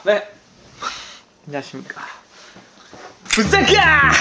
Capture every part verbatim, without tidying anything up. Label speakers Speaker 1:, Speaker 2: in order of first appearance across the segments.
Speaker 1: 네. 안녕하십니까. 부산가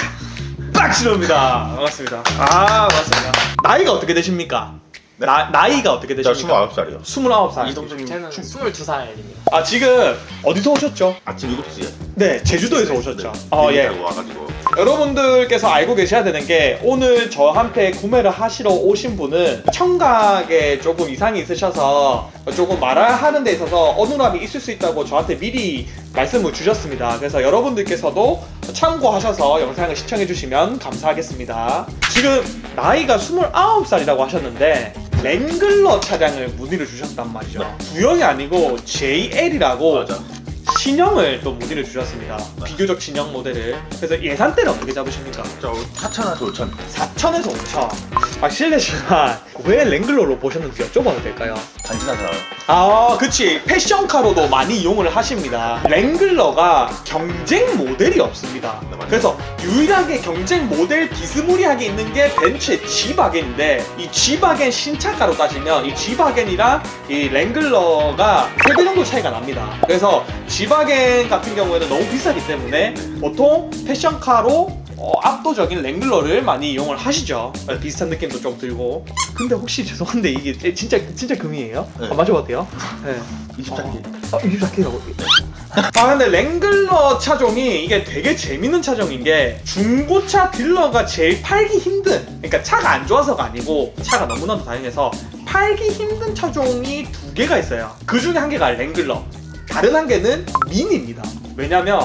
Speaker 1: 박신호입니다. 반갑습니다. 아, 반갑습니다. 나이가 어떻게 되십니까?
Speaker 2: 네?
Speaker 1: 나, 나이가 어떻게
Speaker 2: 저
Speaker 1: 되십니까?
Speaker 2: 스물아홉 살이요.
Speaker 1: 스물아홉 살.
Speaker 2: 이동준님
Speaker 3: 저는
Speaker 2: 춤-
Speaker 3: 스물두 살입니다.
Speaker 1: 아, 지금 어디서 오셨죠?
Speaker 2: 아침 일곱 시에
Speaker 1: 네, 제주도에서 오셨죠.
Speaker 2: 네.
Speaker 1: 어,
Speaker 2: 비행기
Speaker 1: 예.
Speaker 2: 타고 와가지고
Speaker 1: 여러분들께서 알고 계셔야 되는 게 오늘 저한테 구매를 하시러 오신 분은 청각에 조금 이상이 있으셔서 조금 말하는 데 있어서 어눌함이 있을 수 있다고 저한테 미리 말씀을 주셨습니다. 그래서 여러분들께서도 참고하셔서 영상을 시청해 주시면 감사하겠습니다. 지금 나이가 스물아홉 살이라고 하셨는데 랭글러 차량을 문의를 주셨단 말이죠.
Speaker 2: 네.
Speaker 1: 구형이 아니고 제이엘이라고
Speaker 2: 맞아.
Speaker 1: 신형을 또 문의를 주셨습니다.
Speaker 2: 네.
Speaker 1: 비교적 신형 모델을. 그래서 예산대는 어떻게 잡으십니까?
Speaker 2: 저 사천에서 오천.
Speaker 1: 사천에서 오천. 아, 실례지만 왜 랭글러로 보셨는지 여쭤봐도 될까요?
Speaker 2: 간지나잖아요.
Speaker 1: 아, 그치. 패션카로도 많이 이용을 하십니다. 랭글러가 경쟁 모델이 없습니다.
Speaker 2: 네, 맞아요.
Speaker 1: 그래서 유일하게 경쟁 모델 비스무리하게 있는 게 벤츠의 G바겐인데 이 G바겐 신차가로 따지면 이 G바겐이랑 이 랭글러가 세 배 정도 차이가 납니다. 그래서 G바겐 같은 경우에는 너무 비싸기 때문에 보통 패션카로 어, 압도적인 랭글러를 많이 이용을 하시죠. 네, 비슷한 느낌도 좀 들고. 근데 혹시 죄송한데 이게 진짜 진짜 금이에요?
Speaker 2: 네.
Speaker 1: 아, 마셔봐도 돼요? 네.
Speaker 2: 이십사 개.
Speaker 1: 아, 이십사 개라고? 아, 근데 랭글러 차종이 이게 되게 재밌는 차종인 게 중고차 딜러가 제일 팔기 힘든, 그러니까 차가 안 좋아서가 아니고 차가 너무나도 다양해서 팔기 힘든 차종이 두 개가 있어요. 그 중에 한 개가 랭글러, 다른 한 개는 미니입니다. 왜냐면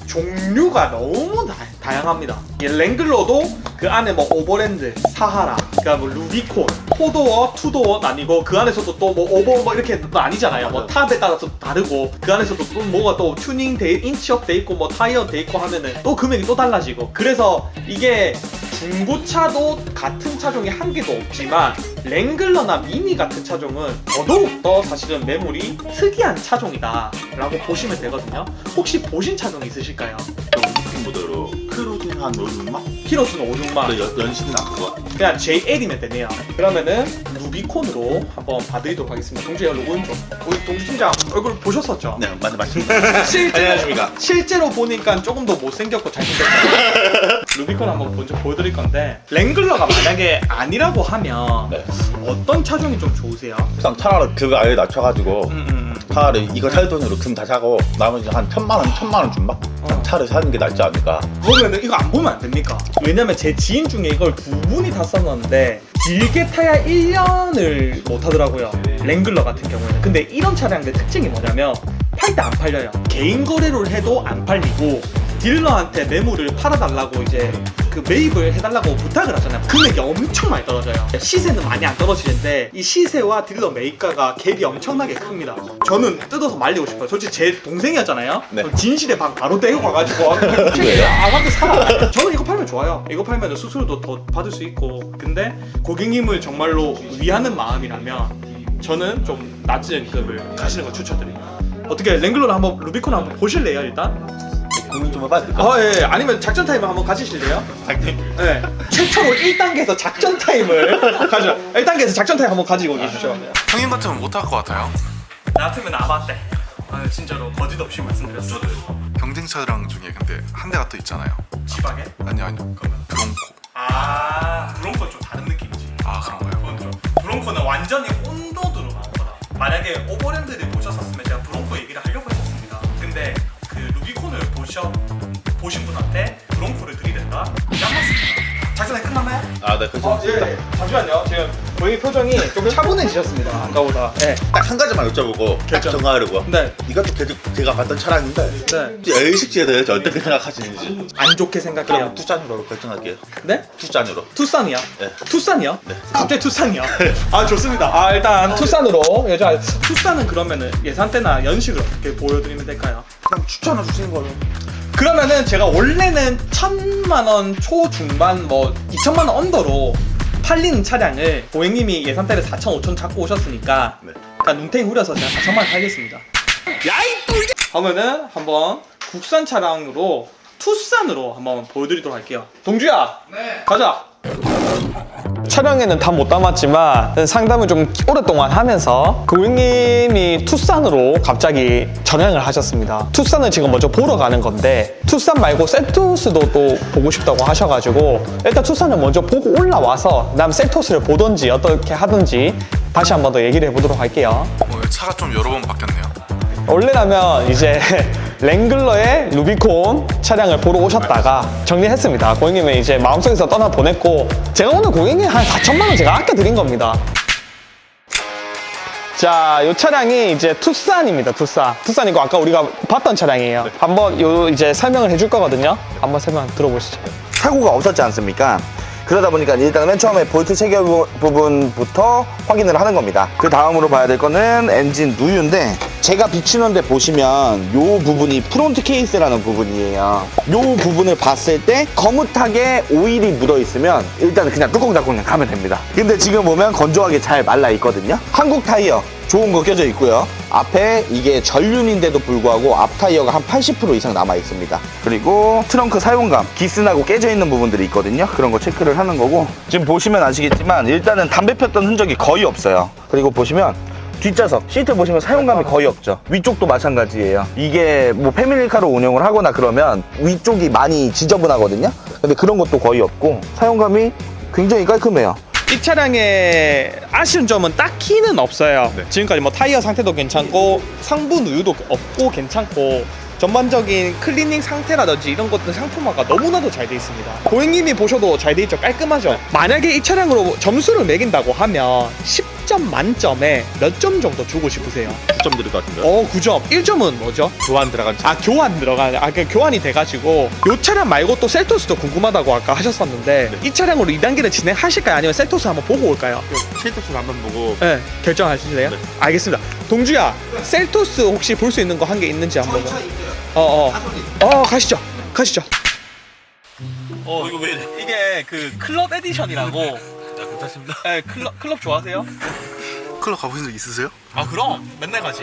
Speaker 1: 종류가 너무 다, 다양합니다. 이 랭글러도 그 안에 뭐 오버랜드, 사하라, 그러니까 뭐 루비콘, 포도어, 투도어 아니고 그 안에서도 또 뭐 오버 뭐 이렇게 또 아니잖아요. 뭐 탑에 따라서 다르고 그 안에서도 또 뭐가 또 튜닝 돼, 인치업 돼 있고 뭐 타이어 돼 있고 하면은 또 금액이 또 달라지고. 그래서 이게 중고차도 같은 차종이 한 개도 없지만 랭글러나 미니 같은 차종은 더더욱더 사실은 매물이 특이한 차종이다 라고 보시면 되거든요. 혹시 보신 차종 있으실까요?
Speaker 2: 루비콘 모델로 크루징 한 오십만?
Speaker 1: 키로수는 오십만.
Speaker 2: 근데 연- 연식은 안 그거.
Speaker 1: 그냥 제이엘이면 되네요. 그러면은 루비콘으로 한번 봐드리도록 하겠습니다. 동주야, 로고인 좀. 우리 동주 팀장 얼굴 보셨었죠?
Speaker 2: 네, 맞네, 맞습니다.
Speaker 1: 실제로,
Speaker 2: 안녕하십니까.
Speaker 1: 실제로 보니까 조금 더 못생겼고 잘생겼어요. 루비콘 한번 먼저 보여드릴 건데 랭글러가 만약에 아니라고 하면
Speaker 2: 네.
Speaker 1: 어떤 차종이 좀 좋으세요?
Speaker 2: 그냥 차라리 그거 아예 낮춰가지고
Speaker 1: 음, 음,
Speaker 2: 차라리 이거 살 돈으로 금 다 사고 나머지 한 천만 원, 천만 원 준다?
Speaker 1: 어.
Speaker 2: 차를 사는 게 낫지 않을까?
Speaker 1: 그러면은 이거 안 보면 안 됩니까? 왜냐면 제 지인 중에 이걸 두 분이 다 썼는데 길게 타야 일 년을 못 하더라고요. 랭글러 같은 경우에는. 근데 이런 차량의 특징이 뭐냐면 팔 때 안 팔려요. 개인 거래를 해도 안 팔리고 딜러한테 매물을 팔아달라고 이제 그 매입을 해달라고 부탁을 하잖아요. 금액이 엄청 많이 떨어져요. 시세는 많이 안 떨어지는데 이 시세와 딜러 매입가가 갭이 엄청나게 큽니다. 저는 뜯어서 말리고 싶어요. 솔직히 제 동생이었잖아요.
Speaker 2: 네.
Speaker 1: 진실의 방 바로 떼고 가가지고
Speaker 2: 왜요?
Speaker 1: 아, 근데 사. 저는 이거 팔면 좋아요. 이거 팔면 수수료도 더 받을 수 있고. 근데 고객님을 정말로 위하는 마음이라면 저는 좀 낮은 급을 가시는 걸 추천드립니다. 어떻게 랭글러를 한번 루비콘 한번 보실래요 일단?
Speaker 2: 고민 좀 해봐야 될까?
Speaker 1: 아, 예. 아니면 작전 타임을 한번 가지실래요? 네. 최초로 일 단계에서 작전 타임을 가져. 일 단계에서 작전 타임 한번 가지고 계십시오.
Speaker 4: 형님 같으면 못할 것 같아요.
Speaker 1: 나 같으면 아바떼. 아, 진짜로 거짓 없이 말씀드렸어.
Speaker 4: 경쟁 차량 중에 근데 한 대가 또 있잖아요.
Speaker 1: 지방에?
Speaker 4: 아니요 아니요. 브롱코.
Speaker 1: 아, 브롱코는 좀 다른 느낌이지.
Speaker 4: 아 그런가요?
Speaker 1: 그건 좀. 브롱코는 완전히 온도드로 나온 거다. 만약에 오버랜드를 보셨었으면 제가 브롱코 얘기를 하려고 했었습니다. 근데 그 루비콘을 보셔 보신 분한테 브롱코를 드리든가 양맞습니다. 작전이 끝났나요?
Speaker 2: 아, 네, 그죠.
Speaker 1: 어, 예. 잠시만요. 지금 고객 표정이 좀 차분해지셨습니다. 아까보다. 네.
Speaker 2: 딱 한 가지만 여쭤보고 딱
Speaker 1: 결정.
Speaker 2: 정하려고.
Speaker 1: 네.
Speaker 2: 이것도 계속 제가 봤던 차량인데
Speaker 1: 네.
Speaker 2: 엘식지에 대해서 어떻게 생각하시는지.
Speaker 1: 안 좋게 생각해요.
Speaker 2: 그럼 투싼으로 결정할게요.
Speaker 1: 네?
Speaker 2: 투싼으로.
Speaker 1: 투싼이요?
Speaker 2: 네.
Speaker 1: 투싼이요?
Speaker 2: 네.
Speaker 1: 갑자기 투싼이요? 아, 좋습니다. 아, 일단 투싼으로. 여자 투싼은 그러면은 예산대나 연식을 어떻게 보여드리면 될까요?
Speaker 2: 그냥 추천해 주시는 걸로.
Speaker 1: 그러면은 제가 원래는 천만 원 초중반 뭐 이천만 원 언더로 팔리는 차량을 고객님이 예산대를 사천, 오천 잡고 오셨으니까
Speaker 2: 네.
Speaker 1: 그러니까 눈탱이 후려서 제가 사천만 원 팔겠습니다. 야이 또 이게! 하면은 한번 국산 차량으로 투싼으로 한번 보여드리도록 할게요. 동주야. 네. 가자.
Speaker 3: 촬영에는 다 못 담았지만 상담을 좀 오랫동안 하면서 고객님이 투싼으로 갑자기 전향을 하셨습니다. 투싼을 지금 먼저 보러 가는 건데 투싼 말고 셀토스도 또 보고 싶다고 하셔가지고 일단 투싼을 먼저 보고 올라와서 그다음 셀토스를 보던지 어떻게 하든지 다시 한 번 더 얘기를 해보도록 할게요.
Speaker 4: 오늘 차가 좀 여러 번 바뀌었네요.
Speaker 3: 원래라면 이제 랭글러의 루비콘 차량을 보러 오셨다가 정리했습니다. 고객님은 이제 마음속에서 떠나 보냈고 제가 오늘 고객님 한 사천만 원 제가 아껴드린 겁니다. 자, 이 차량이 이제 투싼입니다. 투싼. 투싼이고 아까 우리가 봤던 차량이에요. 한번 요 이제 설명을 해줄 거거든요. 한번 설명 들어보시죠.
Speaker 5: 사고가 없었지 않습니까? 그러다 보니까 일단 맨 처음에 볼트 체결 부- 부분부터 확인을 하는 겁니다. 그 다음으로 봐야 될 거는 엔진 누유인데 제가 비추는데 보시면 요 부분이 프론트 케이스라는 부분이에요. 요 부분을 봤을 때 거뭇하게 오일이 묻어 있으면 일단 그냥 뚜껑 닫고 그냥 가면 됩니다. 근데 지금 보면 건조하게 잘 말라 있거든요. 한국 타이어 좋은 거 껴져 있고요. 앞에 이게 전륜인데도 불구하고 앞 타이어가 한 팔십 퍼센트 이상 남아 있습니다. 그리고 트렁크 사용감, 기스나고 깨져 있는 부분들이 있거든요. 그런 거 체크를 하는 거고 지금 보시면 아시겠지만 일단은 담배 폈던 흔적이 거의 없어요. 그리고 보시면 뒷좌석 시트 보시면 사용감이 거의 없죠. 위쪽도 마찬가지예요. 이게 뭐 패밀리카로 운영을 하거나 그러면 위쪽이 많이 지저분하거든요. 근데 그런 것도 거의 없고 사용감이 굉장히 깔끔해요.
Speaker 3: 이 차량의 아쉬운 점은 딱히는 없어요. 지금까지 뭐 타이어 상태도 괜찮고 상부 누유도 없고 괜찮고 전반적인 클리닝 상태라든지 이런 것들 상품화가 너무나도 잘 돼 있습니다. 고객님이 보셔도 잘 돼 있죠. 깔끔하죠. 만약에 이 차량으로 점수를 매긴다고 하면 십 점 만점에 몇 점 정도 주고 싶으세요?
Speaker 2: 구 점 드릴 것 같은데.
Speaker 3: 어, 구 점. 일 점은 뭐죠?
Speaker 2: 교환 들어간 차.
Speaker 3: 아, 교환 들어가는. 아, 그 교환이 돼가지고 요 차량 말고 또 셀토스도 궁금하다고 아까 하셨었는데 이 차량으로 이 단계를 진행하실까요? 아니면 셀토스 한번 보고 올까요?
Speaker 2: 쉐이터스 한번 보고.
Speaker 3: 네, 결정하실래요?
Speaker 2: 네.
Speaker 3: 알겠습니다. 동주야, 셀토스 혹시 볼 수 있는 거 한 개 있는지 한번. 저희 차 있어요. 어, 어. 어, 가시죠. 가시죠. 어, 이거 왜 이래? 이게 그 클럽 에디션이라고.
Speaker 4: 괜찮습니다.
Speaker 3: 네, 클럽 클럽 좋아하세요?
Speaker 4: 클럽 가보신 적 있으세요?
Speaker 3: 아, 그럼 맨날 가지.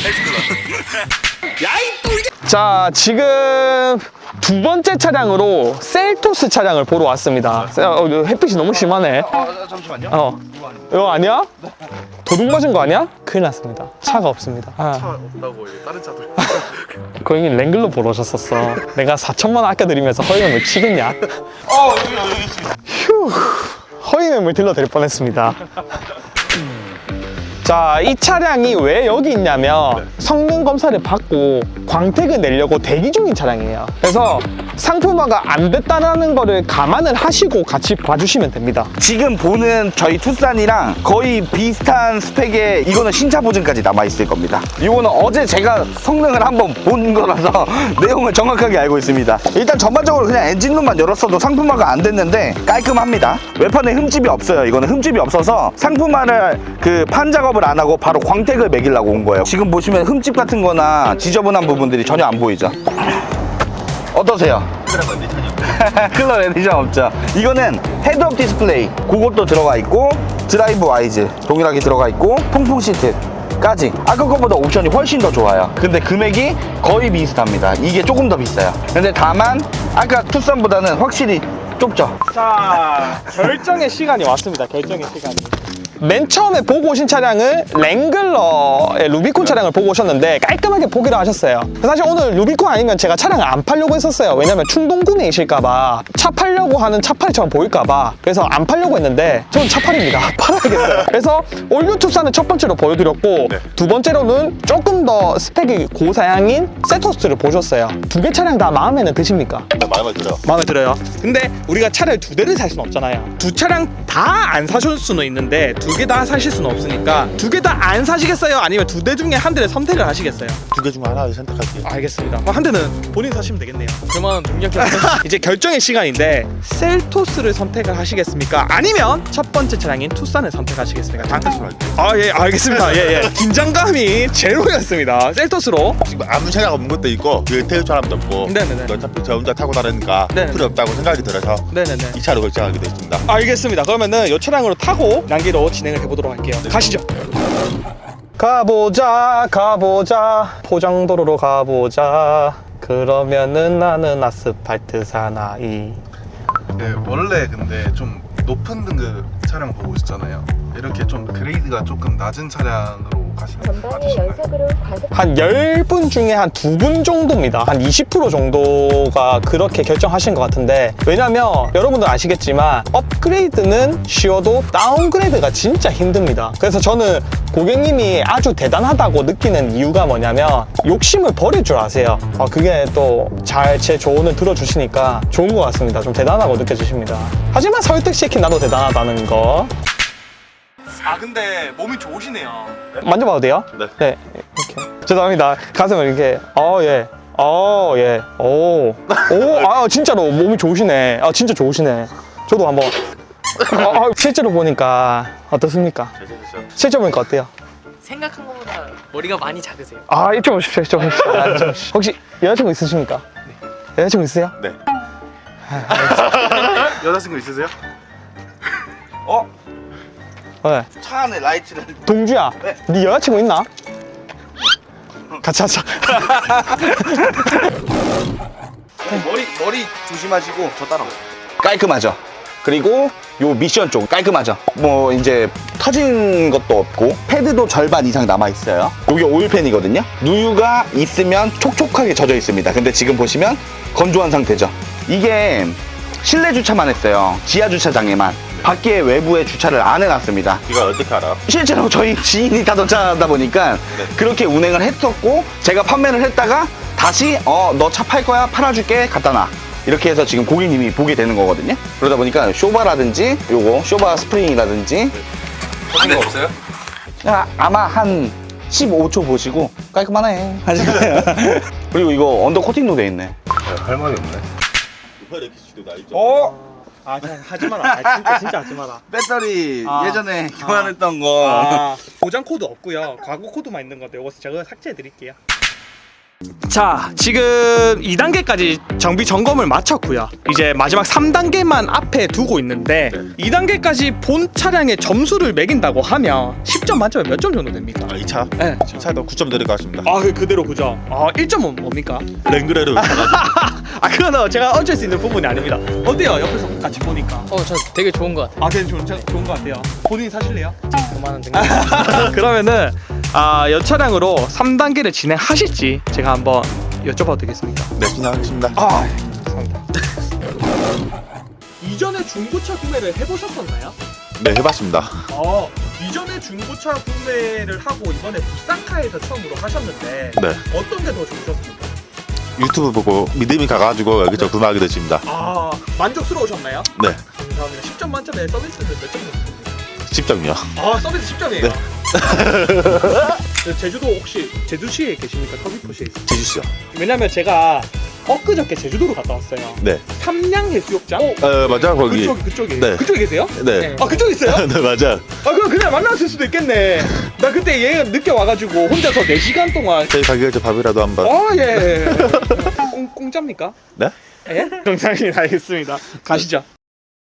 Speaker 3: 야이 또 이게. 자, 지금 두 번째 차량으로 셀토스 차량을 보러 왔습니다. 어, 이거 햇빛이 너무 심하네.
Speaker 5: 아, 잠시만요.
Speaker 3: 어, 이거 아니야? 도둑 맞은 거 아니야? 큰일 났습니다. 차가 없습니다. 아.
Speaker 4: 없다고 다른 차들.
Speaker 3: 고객님 랭글러 보러 오셨었어. 내가 사천만 원 아껴드리면서 허위매물 치겠냐? 어, 여기, 여기 있습니다. 휴, 허위매물 딜러드릴 뻔했습니다. 자, 이 차량이 왜 여기 있냐면 성능 검사를 받고 광택을 내려고 대기 중인 차량이에요. 그래서 상품화가 안 됐다는 거를 감안을 하시고 같이 봐주시면 됩니다.
Speaker 5: 지금 보는 저희 투싼이랑 거의 비슷한 스펙에 이거는 신차 보증까지 남아있을 겁니다. 이거는 어제 제가 성능을 한번 본 거라서 내용을 정확하게 알고 있습니다. 일단 전반적으로 그냥 엔진룸만 열었어도 상품화가 안 됐는데 깔끔합니다. 외판에 흠집이 없어요. 이거는 흠집이 없어서 상품화를 그 판 작업을 안 하고 바로 광택을 매기려고 온 거예요. 지금 보시면 흠집 같은 거나 지저분한 부분들이 전혀 안 보이죠. 어떠세요? 클럽 에디션 없죠. 이거는 헤드업 디스플레이 그것도 들어가 있고 드라이브 와이즈 동일하게 들어가 있고 통풍 시트까지 아까 것보다 옵션이 훨씬 더 좋아요. 근데 금액이 거의 비슷합니다. 이게 조금 더 비싸요. 근데 다만 아까 투싼보다는 확실히 좁죠.
Speaker 3: 자, 결정의 시간이 왔습니다. 결정의 시간이. 맨 처음에 보고 오신 차량을 랭글러의 루비콘 차량을 보고 오셨는데 깔끔하게 포기를 하셨어요. 사실 오늘 루비콘 아니면 제가 차량을 안 팔려고 했었어요. 왜냐면 충동 구매이실까봐 차 팔려고 하는 차팔이처럼 보일까봐 그래서 안 팔려고 했는데 저는 차팔입니다. 팔아야겠어요. 그래서 올류 투싼을 첫 번째로 보여드렸고
Speaker 2: 네.
Speaker 3: 두 번째로는 조금 더 스펙이 고사양인 셀토스를 보셨어요. 두 개 차량 다 마음에는 드십니까?
Speaker 2: 마음에 들어요.
Speaker 3: 마음에 들어요. 근데 우리가 차를 두 대를 살 수는 없잖아요. 두 차량 다 안 사실 수는 있는데 두 개 다 사실 수는 없으니까 두 개 다 안 사시겠어요? 아니면 두 대 중에 한 대를 선택을 하시겠어요?
Speaker 2: 두 개 중 하나를 선택할게요.
Speaker 3: 알겠습니다. 그럼 한 대는 본인 사시면 되겠네요. 그러면 이제 결정의 시간인데 셀토스를 선택을 하시겠습니까? 아니면 첫 번째 차량인 투싼을 선택하시겠습니까? 당... 아, 예, 알겠습니다. 예, 예. 긴장감이 제로였습니다. 셀토스로.
Speaker 2: 지금 아무 생각 없는 것도 있고 그 태울 사람도 없고.
Speaker 3: 네네네.
Speaker 2: 어차피 저 혼자 타고 다니니까
Speaker 3: 네네.
Speaker 2: 필요 없다고 생각이 들어서
Speaker 3: 네네네.
Speaker 2: 이 차로 결정하게 됐습니다.
Speaker 3: 알겠습니다. 그러면은 이 차량으로 타고 난기로 진행을 해보도록 할게요. 가시죠. 가보자 가보자 포장도로로 가보자. 그러면은 나는 아스팔트 사나이.
Speaker 4: 네, 원래 근데 좀 높은 등급 차량 보고 있잖아요. 이렇게 좀 그레이드가 조금 낮은 차량으로 가시는 게
Speaker 6: 전방에
Speaker 4: 맞으신가요?
Speaker 6: 연속으로 과속
Speaker 3: 한 열 분 중에 한 두 분 정도입니다. 한 이십 퍼센트 정도가 그렇게 결정하신 것 같은데, 왜냐면 여러분들 아시겠지만 업그레이드는 쉬워도 다운그레이드가 진짜 힘듭니다. 그래서 저는 고객님이 아주 대단하다고 느끼는 이유가 뭐냐면 욕심을 버릴 줄 아세요. 아, 그게 또 잘 제 조언을 들어주시니까 좋은 것 같습니다. 좀 대단하고 느껴지십니다. 하지만 설득시킨 나도 대단하다는 거. 아, 근데 몸이 좋으시네요. 만져봐도 돼요?
Speaker 2: 네.
Speaker 3: 네, 이렇게. 죄송합니다. 가슴을 이렇게. 어, 예. 어, 예. 오. 오, 아, 진짜로 몸이 좋으시네. 아, 진짜 좋으시네. 저도 한번. 아, 실제로 보니까 어떻습니까? 실제로 보니까 어때요?
Speaker 7: 생각한 것보다 머리가 많이 작으세요.
Speaker 3: 아, 이쪽 오십시오. 이쪽 오십시오. 아, 이쪽 오십시오. 혹시 여자친구 있으십니까? 네. 여자친구 있으세요?
Speaker 2: 네.
Speaker 4: 여자친구 있으세요?
Speaker 5: 어?
Speaker 3: 네.
Speaker 5: 차 안에 라이트를.
Speaker 3: 동주야,
Speaker 5: 네.
Speaker 3: 네 여자친구 있나? 같이 하자.
Speaker 5: 머리 머리 조심하시고 저 따라오세요. 깔끔하죠. 그리고 요 미션 쪽 깔끔하죠. 뭐 이제 터진 것도 없고 패드도 절반 이상 남아 있어요. 요게 오일팬이거든요. 누유가 있으면 촉촉하게 젖어 있습니다. 근데 지금 보시면 건조한 상태죠. 이게 실내 주차만 했어요. 지하 주차장에만. 밖에 외부에 주차를 안 해놨습니다.
Speaker 2: 이걸 어떻게 알아?
Speaker 5: 실제로 저희 지인이 타던 차다 보니까 그렇게 운행을 했었고, 제가 판매를 했다가 다시 어 너 차 팔 거야? 팔아줄게. 갖다 놔. 이렇게 해서 지금 고객님이 보게 되는 거거든요. 그러다 보니까 쇼바라든지 요거 쇼바 스프링이라든지
Speaker 4: 네, 없어요?
Speaker 5: 아, 아마 한 십오 초 보시고 깔끔하네 하시잖아요. 그리고 이거 언더 코팅도 돼 있네.
Speaker 4: 할 말이 없네.
Speaker 2: 이렇게 시도 나 있죠.
Speaker 5: 어?
Speaker 3: 아, 하지 마라. 아, 진짜 진짜 하지 마라.
Speaker 5: 배터리
Speaker 3: 아.
Speaker 5: 예전에 교환했던 거.
Speaker 3: 아, 보장 코드 없고요. 과거 코드만 있는 건데 이거 제가 삭제해 드릴게요. 자, 지금 이 단계까지 정비 점검을 마쳤고요. 이제 마지막 삼 단계만 앞에 두고 있는데 이 단계까지 본 차량의 점수를 매긴다고 하면 십 점 만점에 몇 점 정도 됩니까?
Speaker 2: 아, 이 차?
Speaker 3: 네.
Speaker 2: 이 차도 구 점 드릴 것 같습니다.
Speaker 3: 아, 그 그대로 그죠? 아, 일 점은 뭡니까?
Speaker 2: 랭그레르.
Speaker 3: 아, 그거는 제가 어쩔 수 있는 부분이 아닙니다. 어때요? 옆에서 같이 보니까.
Speaker 7: 어, 저 되게 좋은 것 같아요.
Speaker 3: 아, 되게 좋은, 차- 좋은 것 같아요. 본인이 사실래요?
Speaker 7: 그만한 생각.
Speaker 3: 그러면은 아, 여 차량으로 삼 단계를 진행하실지 제가 한번 여쭤봐도 되겠습니까?
Speaker 2: 네, 진행하겠습니다.
Speaker 3: 아, 감사합니다. 이전에 중고차 구매를 해보셨었나요?
Speaker 2: 네, 해봤습니다.
Speaker 3: 어, 이전에 중고차 구매를 하고 이번에 부산카에서 처음으로 하셨는데
Speaker 2: 네.
Speaker 3: 어떤 게 더 좋으셨습니까?
Speaker 2: 유튜브 보고 믿음이 가가지고 여기저기 구매하게 됐습니다.
Speaker 3: 아, 만족스러우셨나요?
Speaker 2: 네,
Speaker 3: 감사합니다. 십 점 만점에 서비스는 몇 점 정도?
Speaker 2: 십 점이요.
Speaker 3: 아, 서비스 십 점이에요.
Speaker 2: 네.
Speaker 3: 제주도 혹시 제주시에 계십니까? 서귀포시에 있어요?
Speaker 2: 제주시요.
Speaker 3: 왜냐면 제가 엊그저께 제주도로 갔다 왔어요.
Speaker 2: 네.
Speaker 3: 삼양해수욕장?
Speaker 2: 어, 맞아, 거기.
Speaker 3: 그쪽, 그쪽에.
Speaker 2: 네.
Speaker 3: 그쪽에 계세요?
Speaker 2: 네.
Speaker 3: 아, 그쪽에 있어요?
Speaker 2: 네, 맞아.
Speaker 3: 아, 그럼 그날 만났을 수도 있겠네. 나 그때 얘가 늦게 와가지고 혼자서 네 시간 동안.
Speaker 2: 저희 가게 저 밥이라도 한번.
Speaker 3: 아, 예. 공, 공짜입니까?
Speaker 2: 네?
Speaker 3: 예? 공짜입니다. 알겠습니다. 가시죠.